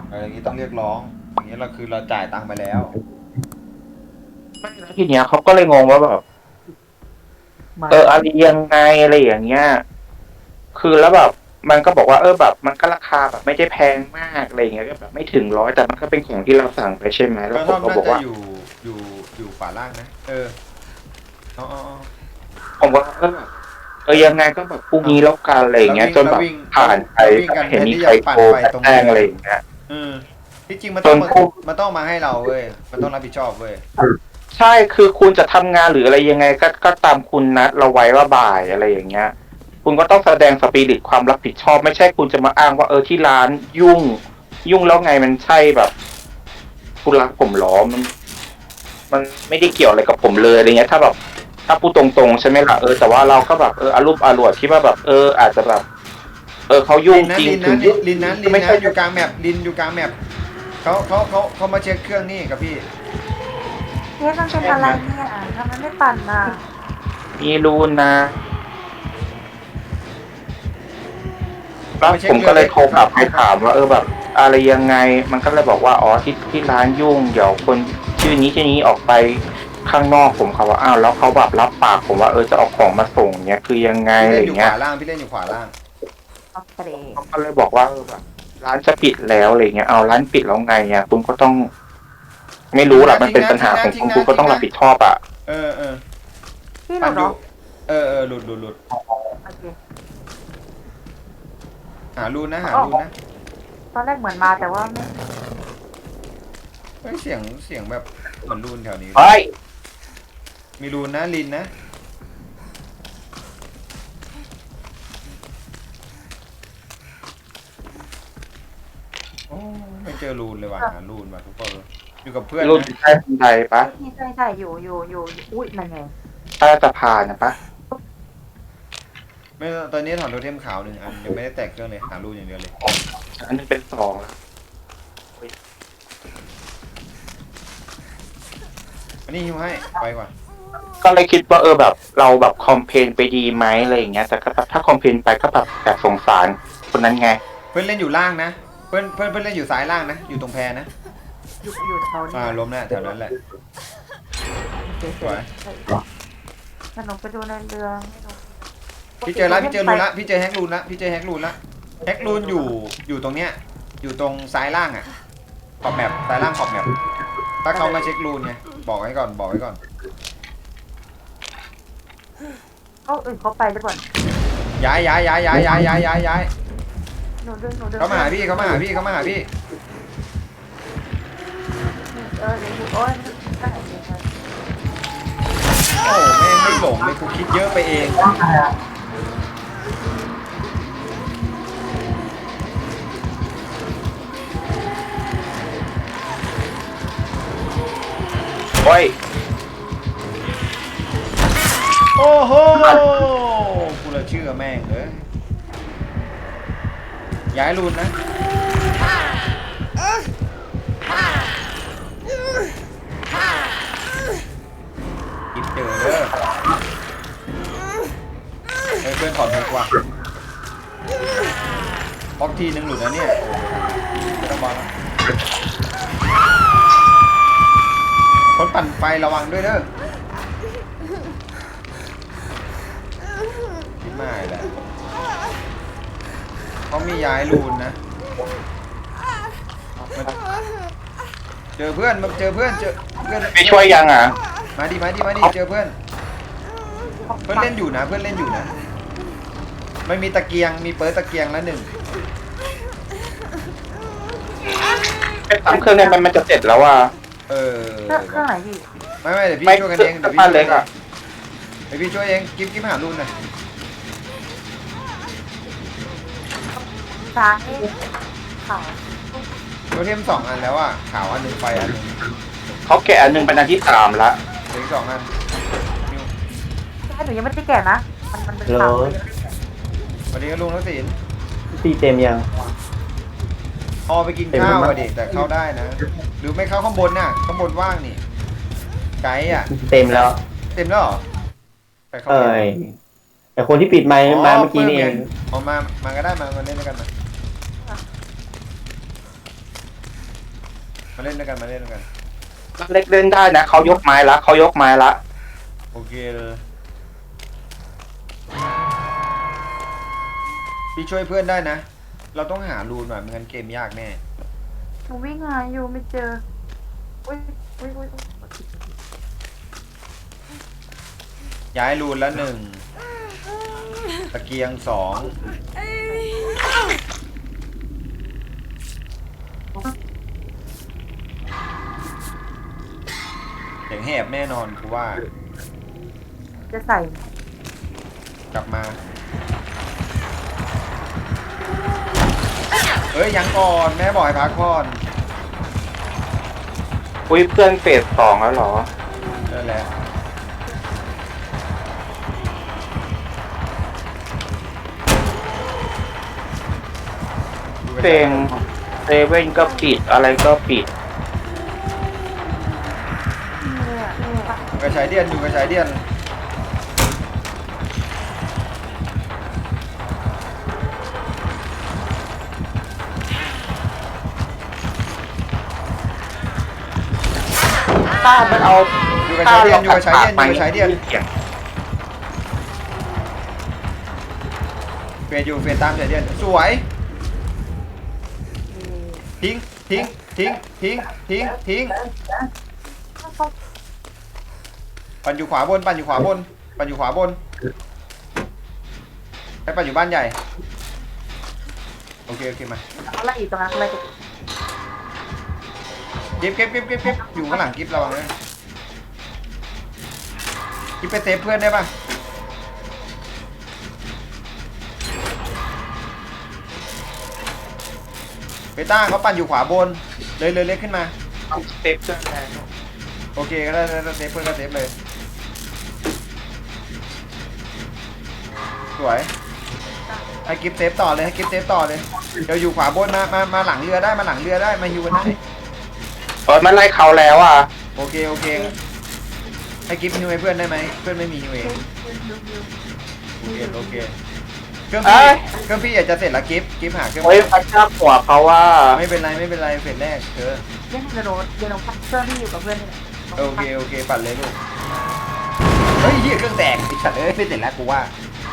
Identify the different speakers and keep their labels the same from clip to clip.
Speaker 1: อย่างนี้ต้องเรียกร้องอย่างนี้เราคือเราจ่ายตังค์ไปแล้ว
Speaker 2: ไม่แล้วทีเนี้ยเขาก็เลยงงว่าแบบ
Speaker 3: มา
Speaker 2: อะไรยังไงอะไรอย่างเงี้ยคือแล้วแบบมันก็บอกว่าแบบมันก็ราคาแบบไม่ได้แพงมากอะไรอย่างเงี้ยก็แบบไม่ถึง100แต่มันก็เป็นของที่เราสั่งไปใช่ไหม
Speaker 1: ก
Speaker 2: แล้ว
Speaker 1: ระท่อมน่า
Speaker 2: ผมก็บอกว่า
Speaker 1: จะอยู่อยู่ขวาล่างนะเอา
Speaker 2: ผมว่ายังไงก็แบบพรุ่ง
Speaker 1: เอา
Speaker 2: นี้แล้วกันอะไรอย่างเงี้ยจนแบบผ่านไป
Speaker 1: เราวิ่งกัน
Speaker 2: เห็นมี
Speaker 1: แทนที่
Speaker 2: ใครโทร
Speaker 1: จะปั่นไฟตรง
Speaker 2: แจ้ง
Speaker 1: นี้เลย
Speaker 2: อะไรอย่างเงี้ย
Speaker 1: เออที่จริง
Speaker 2: จนผู้
Speaker 1: มันต้องมาให้เราเว้ยมันต้องรับผิดชอบเว้ย
Speaker 2: ใช่คือคุณจะทำงานหรืออะไรยังไงก็ตามคุณนัดเราไว้ว่าบ่ายอะไรอย่างเงี้ยคุณก็ต้องแสดงสปิริตความรับผิดชอบไม่ใช่คุณจะมาอ้างว่าที่ร้านยุ่งแล้วไงมันใช่แบบคุณรักผมหรอมันไม่ได้เกี่ยวอะไรกับผมเลยอะไรเงี้ยถ้าแบบถ้าพูดตรงๆใช่ไหมล่ะแต่ว่าเราก็แบบอารุ่มอร่วยที่ว่าแบบอาจจะแบบเขายุ่งจริงถึงยุ่งไม่ใช่
Speaker 1: อยู่กลางแมปลินอยู่กลางแมปเขามาเช็คเครื่องนี่กับพี่
Speaker 3: เนี่ยมันเป็นอะไรเนี่ยทำไมไม่ปั่นอ่ะ
Speaker 2: มีรูนนะ แล้ว
Speaker 1: เขามาเช็ค
Speaker 2: ผมก็เลยโทรกลับไปถามว่าแบบอะไรยังไงมันก็เลยบอกว่าที่ร้านยุ่งเดี๋ยวคนชื่อนี้ออกไปข้างนอกผมเขาว่าอ้าวแล้วเขาแบบรับปากผมว่าจะเอาของมาส่งเนี้ยคือยังไง
Speaker 1: พี่
Speaker 2: อะไร
Speaker 1: เล่นอยู่ข
Speaker 2: เงี้ย
Speaker 1: วาล่างพี่เล่นอยู่ขวาล่าง
Speaker 3: โอเค
Speaker 2: เขาก็เลยบอกว่าแบบร้านจะปิดแล้วอะไรเงี้ยเอาร้านปิดแล้วไงคุณก็ต้องไม่รู้แหละมันเป็นปัญหาของคุณก็ต้องรับผิดชอบอ่ะ
Speaker 1: เออ
Speaker 3: พี่หนู
Speaker 1: ปั่นอยู่
Speaker 3: เนาะ
Speaker 1: หลุด
Speaker 3: โอเค
Speaker 1: หารูนนะ
Speaker 3: ตอนแรกเหมือนมาแต่ว่าไม่
Speaker 1: เฮ้ยเสียงแบบเหมือนรูนแถวนี้
Speaker 2: เฮ้ย
Speaker 1: มีรูนนะลินนะโอ้ไม่เจอรูนเลยว่ะหารูนว่ะทุกคนอยู่กับเพื่อน
Speaker 2: รุ่น
Speaker 1: นะ
Speaker 2: ใต้บันไดปะ
Speaker 3: ใช่อยู่อุ้ยนั่นไง
Speaker 2: ใต้สะพานนะปะ
Speaker 1: ไม่ตอนนี้ถอนโทเทมขาวหนึ่งอันยังไม่ได้แตกเครื่องเลยหารูนอย่างเดียวเลย
Speaker 2: อันนึงเป็น2แล้ว
Speaker 1: อันนี้ฮิวให้ไปก่อน
Speaker 2: ก็เลยคิดว่าแบบเราแบบคอมเพลนไปดีไหมอะไรอย่างเงี้ยแต่ก็แบบถ้าคอมเพลนไปก็แบบสงสารคนนั้นไง
Speaker 1: เพื่อนเล่นอยู่ล่างนะเพื่อนเล่นอยู่ซ้ายล่างนะอยู่ตรงแพนะ
Speaker 3: อยู่แถวนี้
Speaker 1: ล้มแน่แถวนั้นแหละสวย
Speaker 3: ถ้าหนูไปดูในเรือให้หนู
Speaker 1: พี่เจอแล้วพี่เจอรูนละพี่เจอแฮกรูนละแฮกรูนอยู่ตรงเนี้ยอยู่ตรงซ้ายล่างอ่ะขอบแมปซ้ายล่างขอบแมปถ้าเขามาเช็ครูนไงบอกไว้ก่อน
Speaker 3: เขาอื่นเขาไปหรือเปล่า
Speaker 1: ย้าย
Speaker 3: หนูดึง
Speaker 1: เขามาหาพี่
Speaker 3: เดี๋ยวโอ้ยได้
Speaker 1: โอ้แม่งไม่หลงเลยกูคิดเยอะไปเอง
Speaker 2: โอ้ย
Speaker 1: โอ้โหกูเลยเชื่อแม่งเลยย้ายรูนนะคิดเจอเด้อเพื่อนถอดหัวกว่าบล็อกทีนึงหลุดนะเนี่ยโอ้ไม่ต้องบอลคนปั่นไฟระวังด้วยเด้อคิดไม่แหละเขามีย้ายรูนนะเจอเพื่อน
Speaker 2: ไม่ช่วยยังอ่ะ
Speaker 1: มาดิเจอเพื่อนเล่นอยู่นะไม่มีตะเกียงมีเปิดตะเกียงแล้วหนึ่ง
Speaker 2: ไปทำเครื่องนี้มันจะเสร็จแล้วอ่ะ
Speaker 3: เครื่องไหนพี่
Speaker 1: ไม่เดี๋ยวพี่ช่วยกันเอง
Speaker 2: เดี๋ยวพี่ช่วยเอง
Speaker 1: กิ๊บหารุ่นนะ
Speaker 3: ซ้ายขาว
Speaker 1: โทเทม2 อันแล้วอ่ะขาวอันหนึ่งไฟอันหนึ่ง
Speaker 2: เขาแกะอันหนึงเป็นอันที่3ละ
Speaker 1: เหลืออีก2 อัน
Speaker 3: ใช่หนูยังไม่ได้แก่นะมันเป็นขาวเลย
Speaker 1: สวัสดีครับลุงทักษิณ
Speaker 4: ตีเต็มยัง
Speaker 1: พอไปกินข้าวอะดิแต่เข้าได้นะหรือไม่เข้าข้างบนน่ะข้างบนว่างนี่ไกด์อ่ะ
Speaker 4: เต็มแล้ว
Speaker 1: เต็มแล้วเหรอไปเข้า
Speaker 4: เอ้ยแต่คนที่ปิดไมค์มาเมื่อกี้นี่เอง
Speaker 1: มาก็ได้มาเล่นด้วยกันมามาเล่นด้วยกันมาเล่นด้วยกัน
Speaker 2: เล็กเล่นได้นะเขายกไม้ละเขายกไม้ละ
Speaker 1: โอเคเลยพี่ช่วยเพื่อนได้นะ เราต้องหารูนหน่อยไม่งั้นเกมยากแน่
Speaker 3: หนูวิ่งหาอยู่ไม่เจออุ้ยอุ้ยอุ้ยอุ๊ย
Speaker 1: ย้ายรูนละหนึ่งตะเกียงสองเสียงแหบแน่นอนกูว่า
Speaker 3: จะใส่
Speaker 1: กลับมา เฮ้ยยังก่อนแม่บอกให้พักก่อน
Speaker 2: อุ้ยเพื่อนเฟสสองแล้วเหรอ
Speaker 1: นั่นแหละดูกัน
Speaker 2: เพลงเซเว่นก็ปิดอะไรก็ปิด
Speaker 3: เนี่ยเนี่ย
Speaker 1: อยู่กับชายเดียนอยู่กับชายเดียน
Speaker 2: ถ้ามันเอา
Speaker 1: อยู่กับชายเดียนอยู่กับชายเดียนอยู่กับชายเดียน
Speaker 2: เสียง
Speaker 1: เฟดอยู่เฟดตามชายเดียนสวยทิ้งทิ้งทิ้งทิ้งทิ้งทิ้งปั่นอยู่ขวาบนปั่นอยู่ขวาบนปั่นอยู่ขวาบนไปปั่นอยู่บ้านใหญ่โอเคโอเคมา
Speaker 3: อะไรอีกตรงนั้นอะไร
Speaker 1: เก็บอยู่ข้างหลังกิฟระวังเลยกิฟไปเซฟเพื่อนได้ปะเบต้าเขาปั่นอยู่ขวาบนเลยเล็กขึ้นมา
Speaker 2: เอาเซฟเครื่องแรง
Speaker 1: โอเคก็ได้เซฟเพื่อนก็เซฟเลยสวยให้กิฟเซฟต่อเลยให้กิฟเซฟต่อเลยเดี๋ยวอยู่ขวาบนมาหลังเรือได้มาหลังเรือได้มาฮิวกันได้
Speaker 2: เปิดมันไล่เขาแล้วอ่ะ
Speaker 1: โอเคให้กิฟฮิวให้เพื่อนได้ไหมเพื่อนไม่มีฮิวเองโอเคเครื่องพี่อยากจะเสร็จแล้วกิฟหาเครื่อง
Speaker 2: โอ้ยพัดชาหัวเขาว่า
Speaker 1: ไม่เป็นไรเฟสแรกเธอ
Speaker 3: เล่นเดี๋ยวเราพักเครื่องที่อยู่กับเพื่อนนี่แหละ
Speaker 1: โอเคปั่นเลยลูกเฮ้ยเหี้ยเครื่องแตกไอ้สัตว์ไม่เสร็จแล้วกูว่า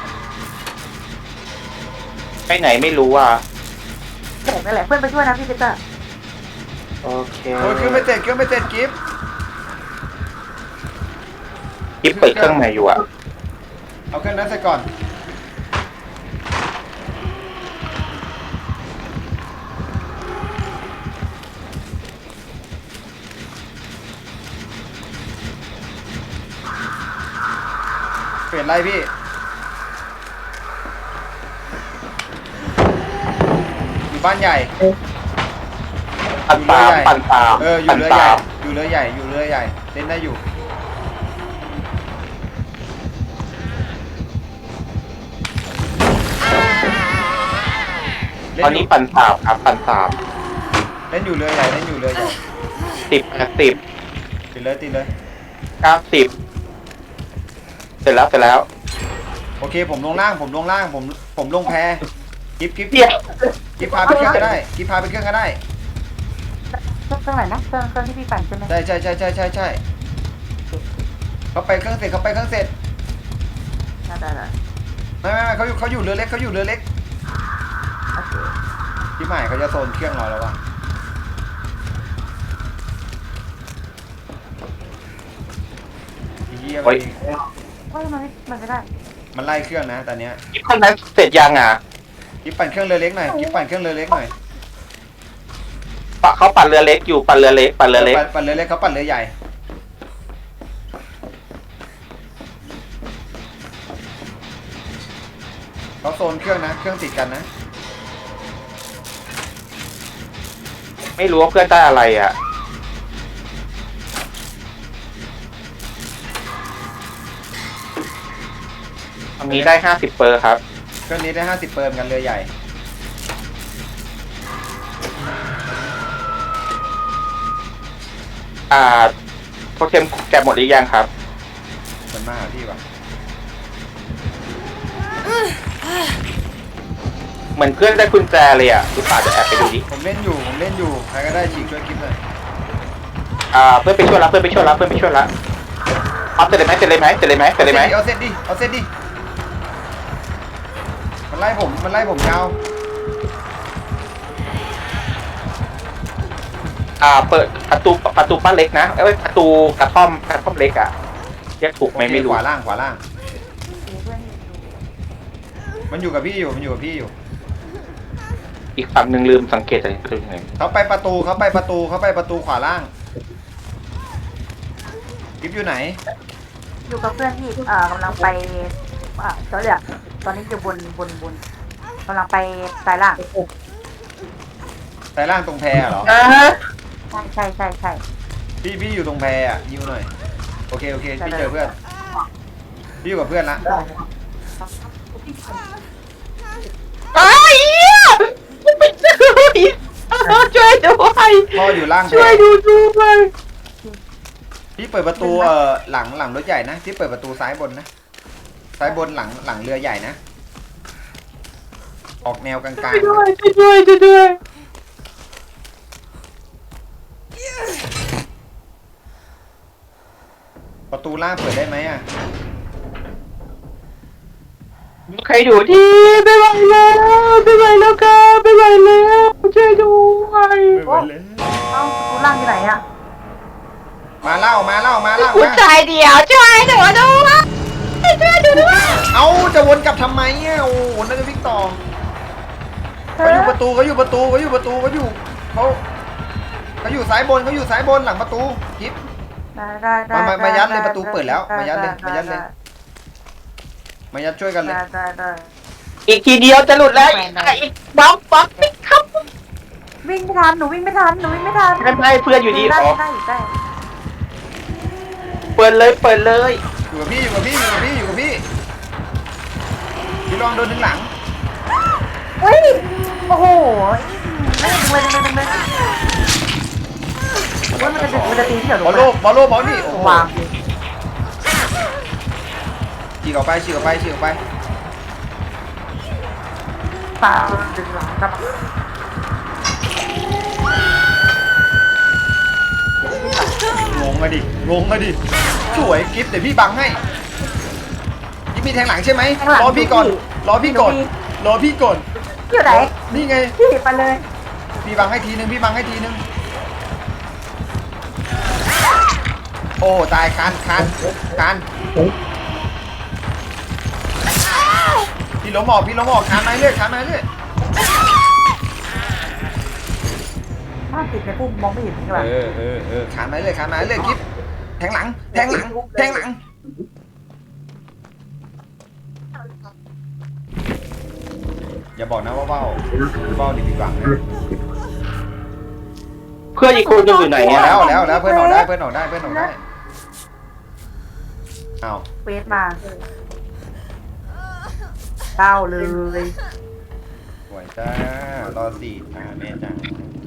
Speaker 2: ไปไหนไม่รู้อ่ะ
Speaker 3: แตกนั่นแหละเพื่อนไปช่วยนะพี่เจตอร์
Speaker 2: โอเค
Speaker 1: โอ้ยเครื่องไม่เสร็จกิฟ
Speaker 2: กิ๊บเปิดเครื่องไหนอยู่อ่ะ
Speaker 1: เอาเครื่องนั้นเสร็จก่อนเปลี่ยนไรพี่อยู่บ้านใหญ่
Speaker 2: ปั่นตามปั่นตาม
Speaker 1: อยู่เรือใหญ่อยู่เรือใหญ่เล่นได้อยู่เล่
Speaker 2: ตอนนี้ปั่นตามครับปั่นตาม
Speaker 1: เล่นอยู่เรือใหญ่
Speaker 2: 10 80
Speaker 1: ติดเลย
Speaker 2: 90เสร็จแล้ว
Speaker 1: โอเคผมลงล่างผมลงแพกิฟ
Speaker 2: เดี๋ยว
Speaker 1: กิฟพาไปเครื่องก็ได้เค
Speaker 3: รื่องไหนนะเครื่องที่พี่ปั่นใช่ไหม
Speaker 1: ใช่เขาไปเครื่องเสร็จ
Speaker 3: ได้
Speaker 1: ไม่เขาอยู่เรือเล็ก
Speaker 3: โอเค
Speaker 1: พี่ใหม่เขาจะโซนเครื่องเราแล้ววะเฮีย
Speaker 2: โอ้ย
Speaker 3: มันไม่ได้
Speaker 1: มันไล่เครื่องนะตอนเนี้ย
Speaker 2: กิ๊บเครื่องนั้นเสร็จยังอ่ะ
Speaker 1: กิฟปั่นเครื่องเรือเล็กหน่อย
Speaker 2: เขาปั่นเรือเล็กอยู่ปั่นเรือเล็ก
Speaker 1: ปั่นเรือเล็กเขาปั่นเรือใหญ่เขาโซนเครื่องนะเครื่องติดกันนะ
Speaker 2: ไม่รู้ว่าเพื่อนได้อะไรอ่ะตอนนี้ได้50เปอร์ครับ
Speaker 1: เครื่องนี้ได้50เปิร์มกันเรือใหญ่
Speaker 2: โปรเทมแกะหมดหรือยังครับ
Speaker 1: มันมาหาพี่วะ
Speaker 2: เหมือนเพื่อนได้กุญแจเลยอ่ะอุตส่าห์จะแอบไปดูดิ
Speaker 1: ผมเล่นอยู่ใครก็ได้ฉีกช่วยกิ๊บหน่อย
Speaker 2: เพื่อนไปช่วยละเอาเสร็จเลยไหม
Speaker 1: เอาเสร็จดิมันไล่ผมยาว
Speaker 2: เปิดประตูบ้านเล็กนะประตูกระท่อมเล็กอ่ะเรียกถูกไหมไม่รู้
Speaker 1: ขวาล่าง
Speaker 3: มีเพื่อนอยู่
Speaker 1: มันอยู่กับพี่อยู่
Speaker 2: อีกฝั่งหนึ่งลืมสังเกตอะไรตัวยังไง
Speaker 1: เขาไปประตูขวาล่างกิ๊บอยู่ไหน
Speaker 3: อยู่กับเพื่อนที่กำลังไปเขาเรียกตอนนี้อยู่บนกำลังไปสายล่าง
Speaker 1: สายล่างตรงแพเหรอ
Speaker 3: ใช่
Speaker 1: พี่อยู่ตรงแพอ่ะยิวหน่อยโอเคพี่เจอเพื่อนพี่อยู่กับเพื่อนละ
Speaker 2: ไอ้เหี้ยไปช่วยด้วย
Speaker 1: พ่ออยู่ล่างแพ
Speaker 2: ช่วยดูด้วย
Speaker 1: พี่เปิดประตูหลังรถใหญ่นะพี่เปิดประตูซ้ายบนนะซ้ายบนหลังเรือใหญ่นะออกแนวกลาง
Speaker 2: ช่วยด้วย
Speaker 1: ๆประตูล่างเปิดได้ไหมอ่ะ
Speaker 2: ใครดูที่ไม่ไหวแล้วครับไม่ไหวแล้วช่วยด้วย
Speaker 3: เอ้ากูล่างอยู่ไหนอ่ะ
Speaker 1: มาเล่า
Speaker 2: คุณชายเดียวช่วยหนูด้วย
Speaker 1: เอาจะวนกลับทำไมอ่ะโอ้โหนั่นจะวิ่งต่อเขาอยู่ประตูเขาอยู่ซ้ายบนหลังประตูกิ๊บ
Speaker 3: ได้
Speaker 1: มายัดเลยประตูเปิดแล้วมายัดเลย มายัดช่วยกันเลย
Speaker 3: ได้
Speaker 2: อีกทีเดียวจะหลุดแล้วอีกบล็อกครับ
Speaker 3: วิ่งไม่ทันหนูวิ่งไม่ทัน
Speaker 2: ไม่เพื่อนอยู่ดี
Speaker 3: ได้
Speaker 2: เปิดเลย
Speaker 1: อยู่กับพี่พี่ลองโดนถึงหลัง
Speaker 3: เฮ้ยโอ้โหดึงเลยว่ามันจะตีที่เหรอบ
Speaker 1: อลโลบอลนี่โอ้โห
Speaker 3: วาง
Speaker 1: ฉีกออกไป
Speaker 3: ปาดึงหลังครับ
Speaker 1: งงอะดิสวยกิ๊บเดี๋ยวพี่บังให้กิ๊บมีแทงหลังใช่ไหมรอพี่ก่อน
Speaker 3: อยู่ไหน
Speaker 1: นี่ไง
Speaker 3: พี่ไปเลย
Speaker 1: พี่บังให้ทีนึงโอ้ตายคานพี่ล้มออกคานมาเรื่อย
Speaker 3: ถ้าติดในพุ่มมองไม่เห็นใช่ป่ะ
Speaker 1: คานมาเรื่อยกิ๊บแทงหลังอย่าบอกนะว่าเบ้าดิพี่บังนะ
Speaker 2: เพื่อนอีกคนนึงอยู่ไหน
Speaker 1: แล้วเพื่อนออกได้อ้าว
Speaker 3: เฟสมาเก้าเลย
Speaker 1: สวยจ้ารอสี่แม่จ้า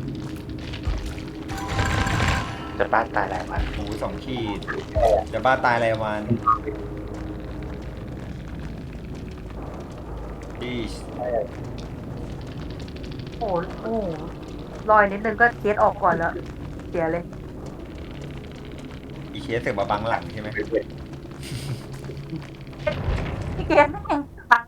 Speaker 2: จะบ้านตายแล้วมัน
Speaker 1: หมู2 ขีดจะบ้าตายอะไรวันพี่
Speaker 3: โอ้โหลอยนิดนึงก็เคสออกก่อนแล้วเสียเลย
Speaker 1: อีเคสเสือกมาบังหลังใช่ไหม
Speaker 3: พี่เกสแม่ง